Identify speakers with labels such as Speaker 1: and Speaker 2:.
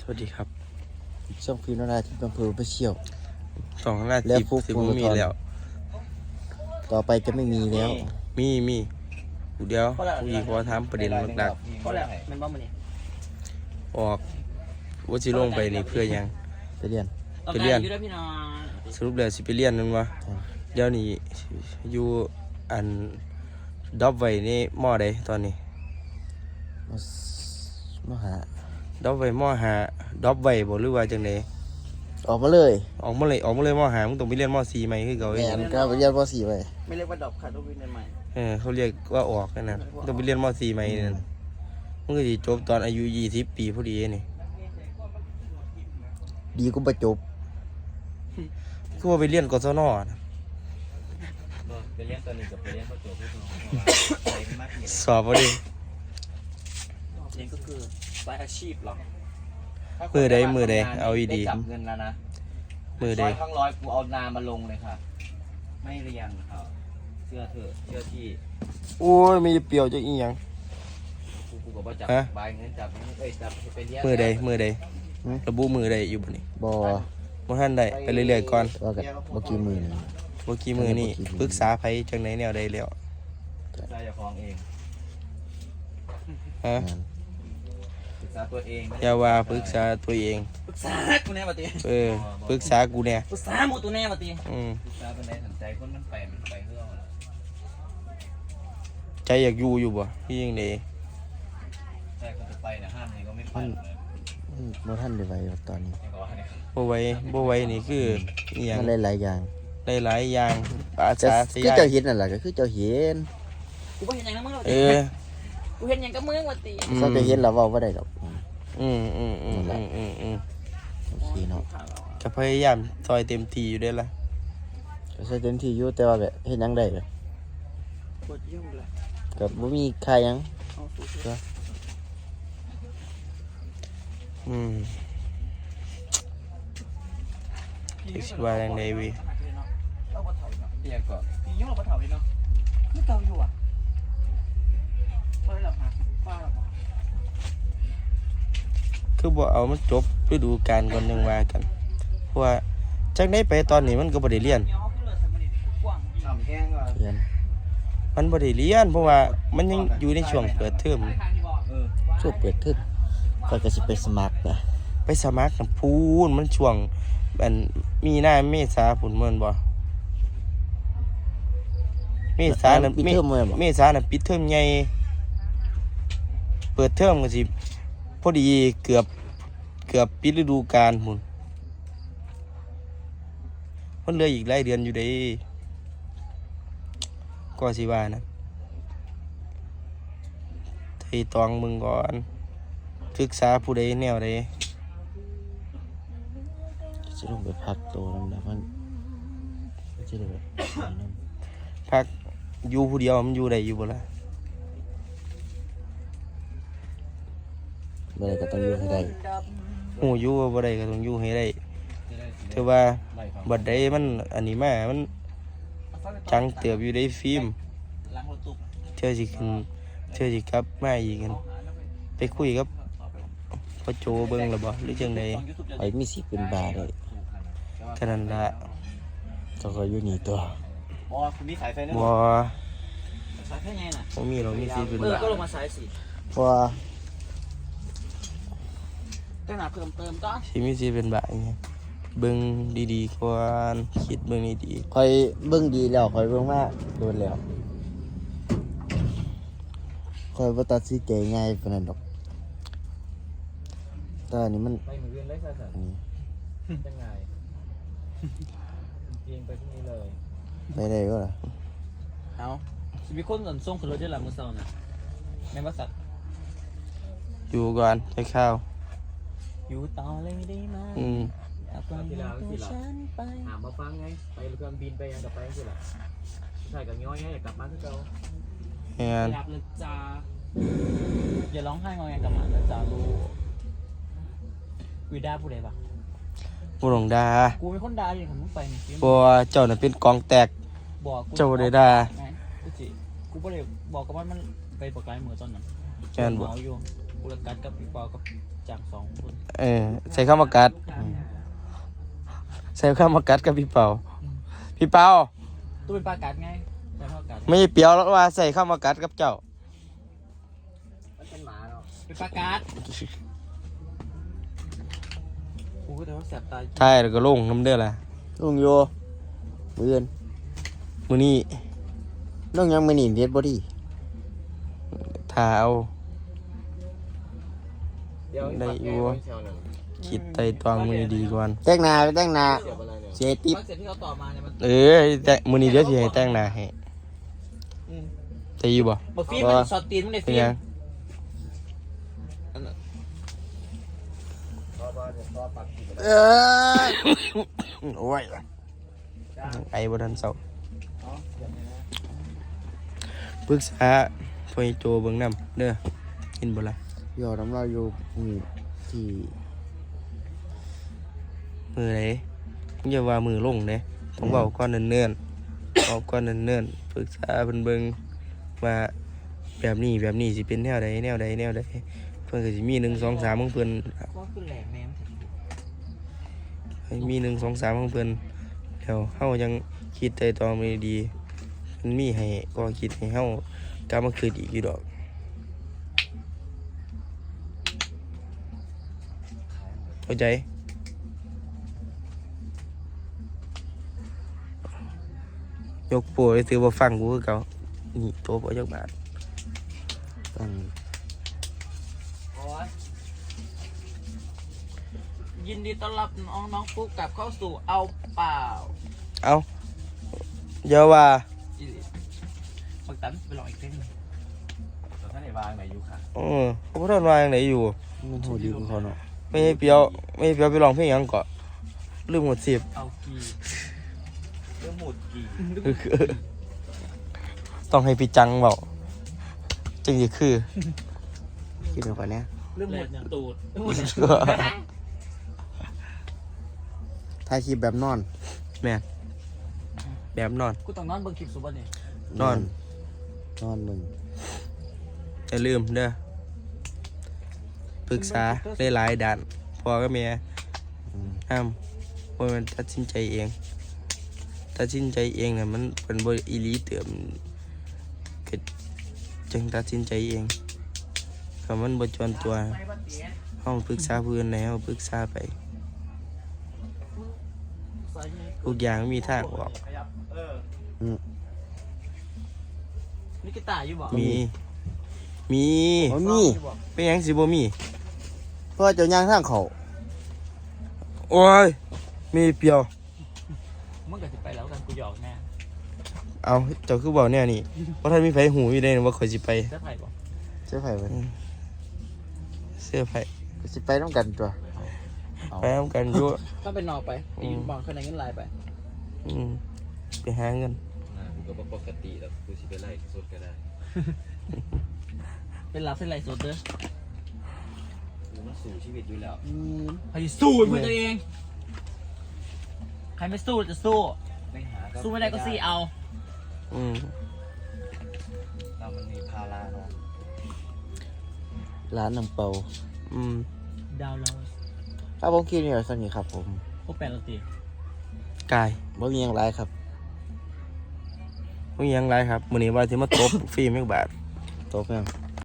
Speaker 1: วัสดีครับ
Speaker 2: ช่องฟิล์มนาทีอำเภอไปเชี่ยว
Speaker 1: 2 นาทีสิบมีแล้ว
Speaker 2: ต่อไปจะไม่มีแล้ว
Speaker 1: มีเดี๋ยวอีกว่าถามประเด็นหลักๆออกว่าสิลงไปนี่เพื่อยัง
Speaker 2: ไปเรียน
Speaker 1: สรุปแล้วสิไปเรียนนั่นวะเดี๋ยวนี้อยู่อันดับไว้นี่มอใดตอนนี้
Speaker 2: มหา
Speaker 1: ดับไว้มอหาดับไว้บ่หรือว่าจังได๋
Speaker 2: ออกมาเลย
Speaker 1: มอหามึงต้องไปเรียนม4ใหม่คือเก่า
Speaker 2: แม่นก็ไปเรียนม.4ไป
Speaker 3: ไม่เรียกว่าดรอปค่ะต้องไปเรียนใหม่
Speaker 1: เขาเรียกว่าออกนั่นต้องไปเรียนม4ใหม่นั่นมึงก็สิจบตอนอายุ20 ปีพอดีนี่
Speaker 2: ดีกูประจบ
Speaker 1: คือว่าไปเรียนกศนนะ
Speaker 3: ไปเรียนตอนนี้กับไปเรียนประจบ
Speaker 1: สอบบ่ดิ
Speaker 3: เรียนก็คือสายอาชีพหรอ
Speaker 1: มือใดเอาดี
Speaker 3: จับเงินแล้วนะ
Speaker 1: มือใด
Speaker 3: ครั้งร้อยกูเอานามาลงเลยค่ะไม่เรียนครับเชื่อเถอะเชื่อที่
Speaker 1: โอ้ยมีเปรียวจะอีหยัง
Speaker 3: กูก็บ่จับใบเงินจับจับไปเรียน
Speaker 1: มือใดระบุมือใดอยู่บ่นี่บ่ทันได้ไปเรื่อยๆก่อน
Speaker 2: ว่ากันบ่กี่มื้อนี่
Speaker 1: บ่กี่มื้อนี่ปรึกษาไผจังไหนแนวใดแล้ว
Speaker 3: ได้จะฟ้องเอง
Speaker 1: ฮะ
Speaker 3: ปรึกษาตัวเอง
Speaker 1: อย่าว่าปรึกษาตัวเอง
Speaker 3: ปรึกษากูแน่บ่ติ
Speaker 1: ปรึกษากูแน่
Speaker 3: ปรึกษาหมู่ตัวแน่บ่ติปรึกษาเป็นไดสนใจคนมันไปเฮือ
Speaker 1: ใจอยากอยู่บ่พี่จังได๋
Speaker 3: ใจก็จะไปนะห้ามนี่ก็ไม่ไป
Speaker 2: บ่ทันได้ไว้ตอนนี้
Speaker 1: บ่ไหวนี่คืออีหยัง
Speaker 2: มันหลายๆอย่าง
Speaker 1: หลายอย่างอาจารย์
Speaker 2: คือเจ้าเห็นนั่นล่ะก็คือเจ้าเห็น
Speaker 3: กูบ่เห็นหยังนำมึงหรอกกูเห็นหยังกับมึงว่าติ
Speaker 2: เขาจะเห็นแล้วเว้าบ่ได้ดอก
Speaker 1: โอ
Speaker 2: เคเนาะ
Speaker 1: ก็พยายามซอยเต็มที่อยู่ได้ล่ะ
Speaker 2: ก็ใช้เต็มที่อยู่แต่ว่าแบบเฮ็ดหยังได้ก็
Speaker 3: ปวดยุ่งเลย
Speaker 2: ก็บ่มีค่าหยัง
Speaker 1: ที่สิว่าจังได๋วิ
Speaker 3: เตียก็พี่ยุ่งบ่เฒ่าอีเนาะคือเก่าอยู่อ่ะบ่ได้หรอกฮะฟ้าหรอก
Speaker 1: คือบ่เอามันจบฤดูกาลก่อนยังว่ากันเพราะว่าจักได้ไปตอนนี้มันก็บ่ได้เรียนมันบ่ได้เรียนเพราะว่ามันยังอยู่ในช่วงเปิดเทอม
Speaker 2: ช่วงเปิดเทอมก็สิไปสมัครนะ
Speaker 1: ไปสมัครน่ะพูนมันช่วงอันมีนาเมษาพุ่นแม่นบ่เมษาน่ะปิดเทอมใหญ่เปิดเทอมก็สิพอดีเกือบปิดฤดูกาลพุ่นมันเหลืออีกหลายเดือนอยู่เด้ก็สิว่านะไถ่ตองมึงก่อนศึกษาผู้ใดแนวใด
Speaker 2: จะลงไปพักโตนำมันจะได้แบบ
Speaker 1: พักอยู่ผู้เดียวมันอยู่ได้อยู่บ่ล่ะ
Speaker 2: บ่ได้ก็ต้องอยู่ให้ได้
Speaker 1: หูอยู่บ่ได้ก็ต้องอยู่ให้ได้ถือว่าบัดใดมันอันนี้มามันจังเติบอยู่ได้ฟิล์มเธอสิกลับมาอีกกันไปคุยกับพ่อโจเบิ่งแล้วบ่หรือจังได๋
Speaker 2: ไอ้มีสิเป็นบาได้
Speaker 1: แค่นั้นล่ะ
Speaker 2: ก็อยู่นี่ตัว
Speaker 3: บ่คุณมีสายไฟนะ
Speaker 1: บ่
Speaker 3: สายไฟไงน่ะ
Speaker 1: บ่มีหรอกมีสิเป็นบา
Speaker 3: ก็ลงมาสายสิ
Speaker 2: เพราะว่า
Speaker 3: แต่หน้าเพิ่มเติมก็
Speaker 1: สิมีสิเป็นบาไงเบิ่งดีๆก่อนคิดเบิ่งดี
Speaker 2: ๆค่อยเบิ่งดีแล้วค่อยเบิ่งมาโดนแล้วค่อยบ่ตัดสินใจง่ายปานนั้นดอกแต่อันนี้มัน
Speaker 3: ไปมื้ออื่นเลยซะจังไงเพียงไปพรุ่งนี้เลย
Speaker 2: ไปได้ก็ล่ะ
Speaker 3: เอาสิมีคนส่งขึ้นรถได้ล่ะมื้อเช้าน่ะแม่นบ่สัตว์
Speaker 1: อยู่ก่อนใช้ข้าว
Speaker 3: อยู่ต่อเลยได้มั้ยอยากไปตัวฉันไปถามมาฟังไงไปเครื่องบินไปยังกับไปจังซี่ล่ะใช่กับย้อยไงอยากกลับมาคือเก่าอยากเลยจ้าอย่าร้องไห้งอแงกับหมานะจ้าลูกวีด้าพูดอะไรปะ
Speaker 1: บ่ต้องด่า
Speaker 3: กูเป็นคนด่าอย่างมึงไปนี่
Speaker 1: บ่เจ้าน่ะเป็นกองแตก
Speaker 3: บอก
Speaker 1: เจ้าได้ด่า
Speaker 3: กูบ่ได้บอกกับมันไปปากไลมือตอนนั้น
Speaker 1: แม่นบ่
Speaker 3: อยู่กูละกัดกับพี่ปอกับจาง2 คน
Speaker 1: ใส่ข้าวมากัดใส่ข้าวมากัดกับพี่เปาพี่เปา
Speaker 3: ตู้เป็นปลากัดไงใช่ปลากัด
Speaker 1: ไม่เปรียวแล้วว่าใส่ข้าวมากัดกับเจ้า
Speaker 3: มันเป็นหมาเนาะเป็นปลากัดกูก็แต่ว่าแสบตา
Speaker 1: ใช่แล้วก็ลงน้ำเด้อล่ะ
Speaker 2: ลุงโยมือเงิน
Speaker 1: มื้อนี้
Speaker 2: น้องยังไม่หนีเด็ดบอดี้
Speaker 1: ถ้าเอา
Speaker 3: เดี๋ยว
Speaker 1: ได้อยู่คิดไต่ตองมื้อนี้ดีก่อน
Speaker 2: แต่งหน้าไปแต่งหน้าเสียติ๊บ
Speaker 3: เสร็จที่เขาต่อมาเนี่ยมัน
Speaker 1: แต่มื้อนี้เดี๋ยวสิให้แต่งหน้าให้แต่อยู่บ่
Speaker 3: บอกฟิล์มมันสอดตีนมันเลย
Speaker 1: เป็น
Speaker 3: ฟิล์
Speaker 1: ยั
Speaker 3: ม
Speaker 1: งโอ้ยไอ้บ่ทันเศร้าปรึกษาพ่อโจเบิ่งนำเด้อกินบ่ล่ะ
Speaker 2: หยอดน้ำลายอยู่นี่ที่
Speaker 1: มือไหนอย่าว่ามือลงเด้ต้องเว้าก่อนเนิ่นๆเว้าก่อนเนิ่นๆปรึกษาเพิ่นเบิ่งว่าแบบนี้สิเป็นแนวใดเพิ่นก็สิมี1 2 3ของเพิ่น
Speaker 3: ก็คือแหลกแม่ม
Speaker 1: ให้มี1 2 3ของเพิ่นแล้วเฮายังคิดไต่ตองไม่ดีมันมีให้ก็คิดให้เฮากลับมาคืนอีกอยู่ดอกเข้าใจยกโปรได้ถือว่าฟังกูคือเก่านี่โตบ่จักบาท
Speaker 2: ตั้ง
Speaker 3: ยินดีต้อนรับน้องฟุกกลับเข้าสู่เอาเปล่า
Speaker 1: เอาเยาว่า
Speaker 3: บักตันไปลองอีกเพลงหนึ่งท่านไหนวางไหนอยู่ค่ะ
Speaker 1: เขาบ่ทันว่าจังไดอยู่
Speaker 2: มันโหดดีกว่าเขาเนาะ
Speaker 1: ไม่ให้เปียวไปร้องเพลงหยังเกาะลืมหมดสิบ
Speaker 3: เอากีเรื่องหมดกี
Speaker 1: ต้องให้พี่จังเบาจังสิคือ
Speaker 2: คิดเป็นคนเนี้ย
Speaker 3: เรื่องหมดตูดเรื่องหมด
Speaker 2: ถ่ายคลิปแบบนอน
Speaker 1: แม่นแบบนอน
Speaker 3: กูต้องนอนเบิ่งคลิปสุบันเนี่ย
Speaker 1: นอน
Speaker 2: นอนมึง
Speaker 1: อย่าลืมเด้อปรึกษาหลายๆด้านพ่อกับแม่ห้ามบ่แม่นตัดสินใจเองตัดสินใจเองน่ะมันเป็นบ่อีหลีเติมก็จึงตัดสินใจเองถ้ามันบ่จวนตัวเฮาปรึกษาผู้อื่นได้เฮาปรึกษาไปทุกอย่างมีทางออก
Speaker 3: นี่กีตาร์อยู่บ่
Speaker 1: มี
Speaker 2: มันมี
Speaker 1: เป็นหยังสิบ่มี
Speaker 2: เพราะว่าเจ้าย่างทางเขา
Speaker 1: โอ้ยมีเปรียว
Speaker 3: มึงก็สิไปแล้วกันกูหยอกแน่
Speaker 1: เอาเจ้าคือบอกเนี่ยนี่เพราะท่านมีไฟหูอยู่ได้ว่าข่อยสิไป
Speaker 3: จะไผ่บ่
Speaker 2: เจ้าไผ่ไป
Speaker 1: เสื้อไฟ
Speaker 2: ก็สิไปต้องกันตัวเอา
Speaker 1: ไปทำกันอยู่
Speaker 3: ถ้าเป็นนอกไปไปยืนบอลข้างในเงินลายไป
Speaker 1: อืมไปหาเงิน
Speaker 4: กูก็บ่ปกติแล้วกูสิไปไล่สดก็ได้
Speaker 3: เป็นรับเป็นไรสดเด้อ
Speaker 4: กูมันสู่ชีวิตอยู่แล้ว
Speaker 3: ใครสู้เพื่อตัวเองใครไม่สู้จะสู้
Speaker 4: ไม่หาก็
Speaker 3: สู้ไม่ได้ก็ซี่เอา
Speaker 1: อืม
Speaker 4: เรามันมีภาระเนาะ
Speaker 2: ร้านน้ำเปา
Speaker 1: อืม
Speaker 3: ดาวเรา
Speaker 2: ถ้าผมคิดเนี่ยสนิทครับผม
Speaker 3: พวกแปดเราตี
Speaker 1: กาย
Speaker 2: บ่มีอย่างไรครับ
Speaker 1: มึงยังไรครับมื้อนี้ว่าสิมาตบ ฟรีแม่งบาท
Speaker 2: โต๊ะเพียง